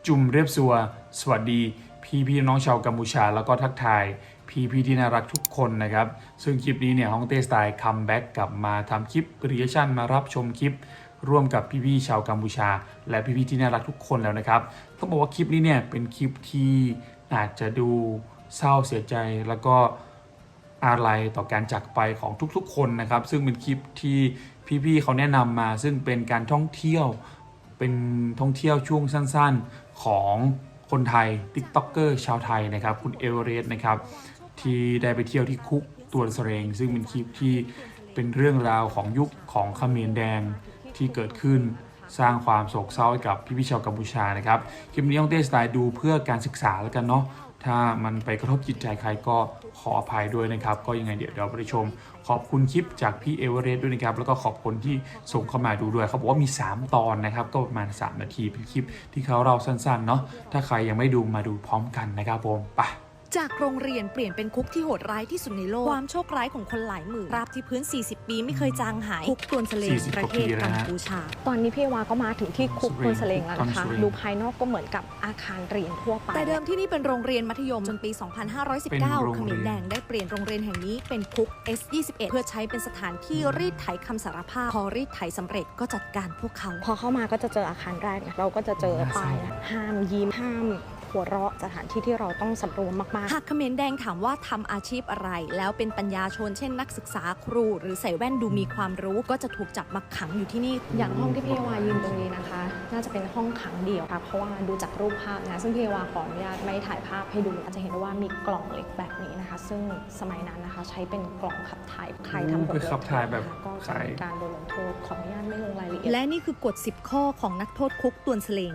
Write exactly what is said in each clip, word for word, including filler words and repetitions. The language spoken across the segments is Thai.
จุมเรียบสัวสวัสดีพี่พี่น้องชาวกัมพูชาแล้วก็ทักทายพี่พี่ที่น่ารักทุกคนนะครับซึ่งคลิปนี้เนี่ยฮ่องเต้สไตล์คัมแบ็กกลับมาทำคลิปรีแอคชั่นมารับชมคลิปร่วมกับพี่พี่ชาวกัมพูชาและพี่พี่ที่น่ารักทุกคนแล้วนะครับต้องบอกว่าคลิปนี้เนี่ยเป็นคลิปที่อาจจะดูเศร้าเสียใจแล้วก็อาลัยต่อการจากไปของทุกๆคนนะครับซึ่งเป็นคลิปที่พี่ๆเขาแนะนำมาซึ่งเป็นการท่องเที่ยวเป็นท่องเที่ยวช่วงสั้นๆของคนไทย ติ๊กต็อกเกอร์ ชาวไทยนะครับคุณเอเวอเรสต์นะครับที่ได้ไปเที่ยวที่คุกตัวเสรงซึ่งเป็นคลิปที่เป็นเรื่องราวของยุคของเขมรแดงที่เกิดขึ้นสร้างความโศกเศร้าให้กับพี่ๆชาวกัมพูชานะครับคลิปนี้ฮ่องเต้สไตล์ดูเพื่อการศึกษาแล้วกันเนาะถ้ามันไปกระทบจิตใจใครก็ขออภัยด้วยนะครับก็ยังไงเดี๋ยวเราไปชมขอบคุณคลิปจากพี่เอเวอเรสต์ด้วยนะครับแล้วก็ขอบคุณที่ส่งเข้ามาดูด้วยเขาบอกว่ามีสามตอนนะครับก็ประมาณสามนาทีเป็นคลิปที่เขาเล่าสั้นๆเนาะถ้าใครยังไม่ดูมาดูพร้อมกันนะครับผมไปจากโรงเรียนเปลี่ยนเป็นคุกที่โหดร้ายที่สุดในโลกความโชคร้ายของคนหลายหมื่นราบที่พื้นสี่สิบปีไม่เคยจางหายคุกกวนเสลงประเทศกัมพูชาตอนนี้พี่วาก็มาถึงที่คุกกวนเสลงแล้วนะคะดูภายนอกก็เหมือนกับอาคารเรียนทั่วไปแต่เดิมที่นี่เป็นโรงเรียนมัธยมจนปี สองพันห้าร้อยสิบเก้า เขมรแดงได้เปลี่ยนโรงเรียนแห่งนี้เป็นคุก เอส ยี่สิบเอ็ด เพื่อใช้เป็นสถานที่รีดไถคำสารภาพพอรีดไถสำเร็จก็จัดการพวกเขาพอเข้ามาก็จะเจออาคารแรกเราก็จะเจอป้ายห้ามยิ้มห้ามหัวเราะสถานที่ที่เราต้องสำรวมมากๆหากเขมรแดงถามว่าทำอาชีพอะไรแล้วเป็นปัญญาชนเช่นนักศึกษาครูหรือใส่แว่นดูมีความรู้ก็จะถูกจับมาขังอยู่ที่นี่อย่างห้องที่พี่วายืนตรงนี้นะคะน่าจะเป็นห้องขังเดี่ยวค่ะเพราะว่าดูจากรูปภาพนะซึ่งพี่วาขออนุญาตไม่ถ่ายภาพให้ดูอาจจะเห็นว่ามีกล่องเหล็กแบบนี้นะคะซึ่งสมัยนั้นนะคะใช้เป็นกล่องขับถ่ายใครทำบทลงโทษก็จะมีการโดนลงโทษขออนุญาตไม่ลงรายละเอียดและนี่คือกฎสิบข้อของนักโทษคุกตวนเสลง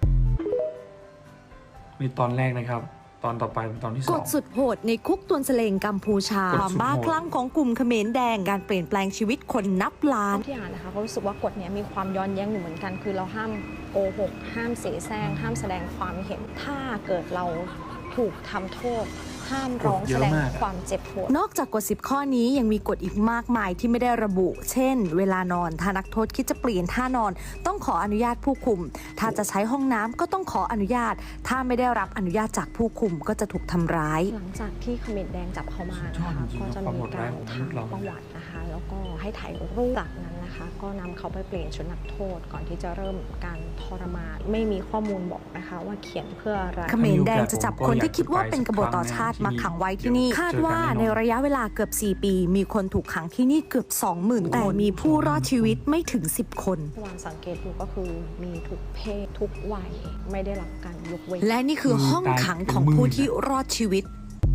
มีตอนแรกนะครับตอนต่อไปเป็นตอนที่สองกฎสุดโหดในคุกตวนเสลงกัมพูชาความบ้าคลั่งของกลุ่มเขมรแดงการเปลี่ยนแปลงชีวิตคนนับล้านที่อ่านนะคะเขารู้สึกว่ากฎนี้มีความย้อนแย้งอยู่เหมือนกันคือเราห้ามโกหกห้ามเสแสร้งห้ามแสดงความเห็นถ้าเกิดเราถูกทำโทษห้ามร้องแสดงความเจ็บปวดนอกจากกฎสิบข้อนี้ยังมีกฎอีกมากมายที่ไม่ได้ระบุเช่นเวลานอนถ้านักโทษคิดจะเปลี่ยนท่านอนต้องขออนุญาตผู้คุมถ้าจะใช้ห้องน้ำก็ต้องขออนุญาตถ้าไม่ได้รับอนุญาตจากผู้คุมก็จะถูกทำร้ายหลังจากที่เขมรแดงจับเขามานะคะก็จะมีการถามประวัตินะคะแล้วก็ให้ถ่ายรูปจากนั้นนะคะก็นำเขาไปเปลี่ยนชุดนักโทษก่อนที่จะเริ่มการทรมานไม่มีข้อมูลบอกนะคะว่าเขียนเพื่ออะไรเขมรแดงจะจับคนที่คิดว่าเป็นกบฏต่อชาติมาขังไว้ที่นี่คาดว่าในระยะเวลาเกือบสี่ปีมีคนถูกขังที่นี่เกือบ สองหมื่น คนแต่มีผู้รอดชีวิตไม่ถึงสิบคนวางสังเกตดูก็คือมีทุกเพศทุกวัยไม่ได้รับการยกเว้นและนี่คือห้องขังของผู้ที่รอดชีวิต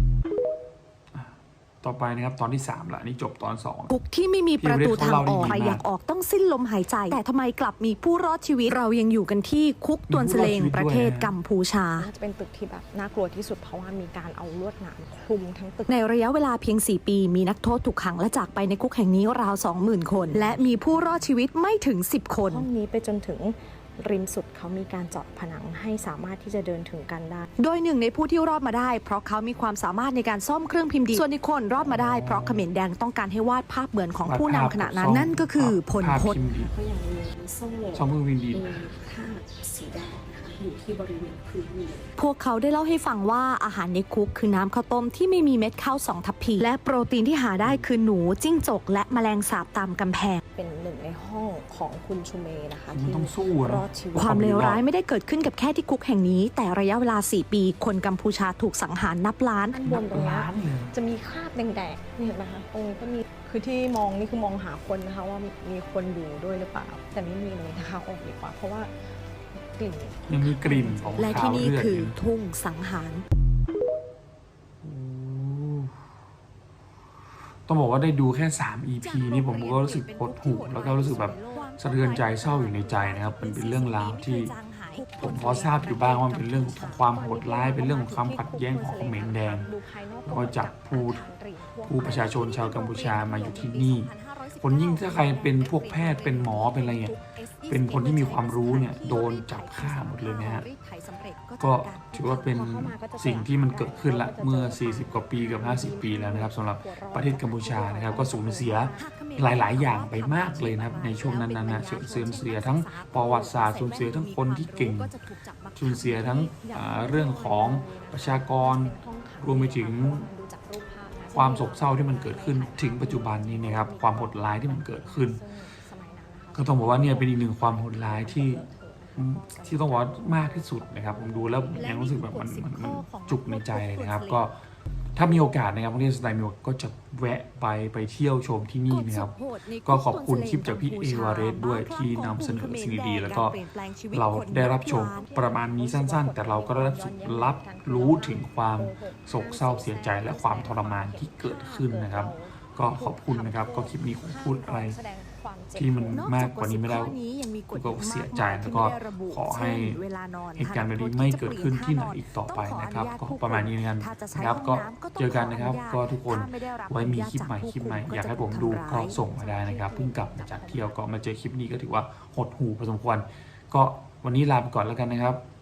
ต่อไปนะครับตอนที่สามละนี่จบตอนสองคุกที่ไม่มีประตูทางออกใครอยากออกต้องสิ้นลมหายใจแต่ทำไมกลับมีผู้รอดชีวิตเรายังอยู่กันที่คุกตวนเสลงประเทศกัมพูชาจะเป็นตึกที่แบบน่ากลัวที่สุดเพราะว่ามีการเอาลวดหนามคลุมทั้งตึกในระยะเวลาเพียงสี่ปีมีนักโทษถูกขังและจากไปในคุกแห่งนี้ราว สองหมื่น คนและมีผู้รอดชีวิตไม่ถึงสิบคนห้องนี้ไปจนถึงริมสุดเขามีการเจาะผนังให้สามารถที่จะเดินถึงกันได้โดยหนึ่งในผู้ที่รอดมาได้เพราะเขามีความสามารถในการซ่อมเครื่องพิมพ์ดีส่วนอีกคนรอดมาได้เพราะเขมรแดงต้องการให้วาดภาพเหมือนของผู้นำขณะนั้นนั่นก็คือพลพตก็ยังมีโซ่ซ่อมเครื่องพิมพ์ดีค่าสีแดงอยู่ที่บริเวณพื้นเมืองพวกเขาได้เล่าให้ฟังว่าอาหารในคุกคือน้ำข้าวต้มที่ไม่มีเม็ดข้าวสองทัพพีและโปรตีนที่หาได้คือหนูจิ้งจกและแมลงสาบตามกำแพงเป็นหนึ่งในห้องของคุณชูเมนะคะที่รอดชีวิตความเลวร้ายไม่ได้เกิดขึ้นกับแค่ที่คุกแห่งนี้แต่ระยะเวลาสี่ปีคนกัมพูชาถูกสังหารนับล้านบนตรงนี้จะมีคราบแดงๆนี่เห็นไหมคะตรงนี้ก็มีคือที่มองนี่คือมองหาคนนะคะว่ามีคนอยู่ด้วยหรือเปล่าแต่ไม่มีเลยนะคะออกดีกว่าเพราะว่ายังมีกลิ่นของและที่นี่คือทุ่งสังหารต้องบอกว่าได้ดูแค่สาม อี พี นี่ผมก็รู้สึกหดหู่แล้วก็รู้สึกแบบสะเทือนใจเศร้าอยู่ในใจนะครับมันเป็นเรื่องราวที่ผมพอทราบอยู่บ้างว่าเป็นเรื่องของความโหดร้ายเป็นเรื่องของความขัดแย้งของเขมรแดงแล้วก็จับผู้ผู้ประชาชนชาวกัมพูชามาอยู่ที่นี่คนยิ่งถ้าใครเป็นพวกแพทย์เป็นหมอเป็นอะไรเงี้ยเป็นคนที่มีความรู้เนี่ยโดนจับฆ่าหมดเลยนะฮะก็ถือว่าเป็นสิ่งที่มันเกิดขึ้นละเมื่อสี่สิบกว่าปีกับห้าสิบปีแล้วนะครับสำหรับประเทศกัมพูชานะครับก็สูญเสียหลายๆอย่างไปมากเลยนะครับในช่วงนั้นนะสูญเสียทั้งประวัติศาสตร์สูญเสียทั้งคนที่เก่งสูญเสียทั้งอ่าเรื่องของประชากรรวมไปถึงความโศกเศร้าที่มันเกิดขึ้นถึงปัจจุบันนี้นะครับความโหดร้ายที่มันเกิดขึ้น ก็ต้องบอกว่าเนี่ยเป็นอีกหนึ่งความโหดร้ายที่ที่ต้องบอกว่ามากที่สุดนะครับผมดูแล้วยังรู้สึกแบบมันมันมันจุกในใจเลยนะครับก็ถ้ามีโอกาสนะครับที่สไตล์มีโอกาสก็จะแวะไปไปเที่ยวชมที่นี่นะครับก็ขอบคุณคลิปจากพี่เอวาเรสด้วยที่นำเสนอสิ่งดีๆแล้วก็เราได้รับชมประมาณนี้สั้นๆแต่เราก็ได้รับรับรู้ถึงความโศกเศร้าเสียใจและความทรมานที่เกิดขึ้นนะครับก็ขอบคุณนะครับก็คลิปนี้ผมพูดอะไรที่มันมากกว่านี้ไม่ได้ก็เสียใจแล้วก็ขอให้เหตุการณ์แบบนี้ไม่เกิดขึ้นที่ไหนอีกต่อไปนะครับก็ประมาณนี้นะครับก็เจอกันนะครับก็ทุกคนไว้มีคลิปใหม่คลิปใหม่อยากให้ผมดูก็ส่งมาได้นะครับเพิ่งกลับมาจากเที่ยวก็มาเจอคลิปนี้ก็ถือว่าหดหูพอสมควรก็วันนี้ลาไปก่อนแล้วกันนะครับ